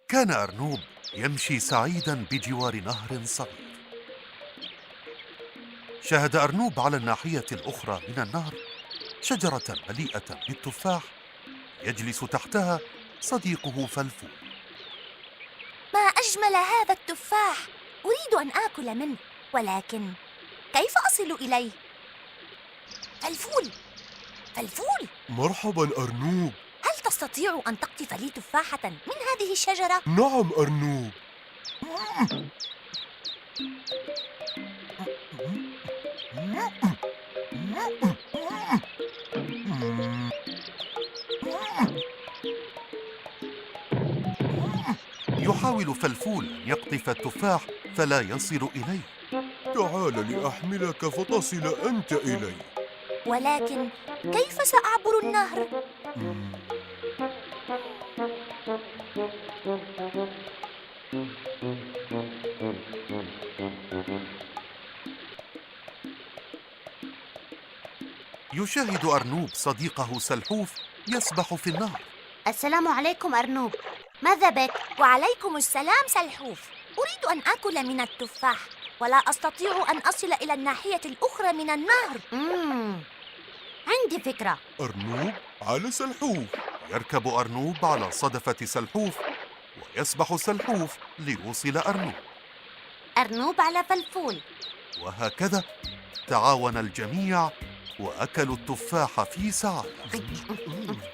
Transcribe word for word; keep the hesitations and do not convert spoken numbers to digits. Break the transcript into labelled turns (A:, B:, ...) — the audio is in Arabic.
A: كان أرنوب يمشي سعيدا بجوار نهر صغير. شاهد أرنوب على الناحية الأخرى من النهر شجرة مليئة بالتفاح يجلس تحتها صديقه فلفول.
B: ما أجمل هذا التفاح! أريد أن آكل منه، ولكن كيف أصل إليه؟ فلفول، فلفول،
C: مرحبا أرنوب.
B: هل تستطيع أن تقطف لي تفاحة من هذه الشجرة؟
C: نعم أرنوب.
A: يحاول فلفول أن يقطف التفاح فلا يصل إليه.
C: تعال لأحملك فتصل أنت إلي.
B: ولكن كيف سأعبر النهر؟
A: يشاهد أرنوب صديقه سلحوف يسبح في النهر.
D: السلام عليكم أرنوب، ماذا بك؟
B: وعليكم السلام سلحوف. أريد أن آكل من التفاح، ولا أستطيع أن أصل إلى الناحية الأخرى من النهر.
D: مم. عندي فكرة.
C: أرنوب على سلحوف.
A: يركب أرنوب على صدفة سلحوف ويسبح سلحوف ليوصل أرنوب،
D: أرنوب على فلفول.
A: وهكذا تعاون الجميع وأكلوا التفاح في سعادة.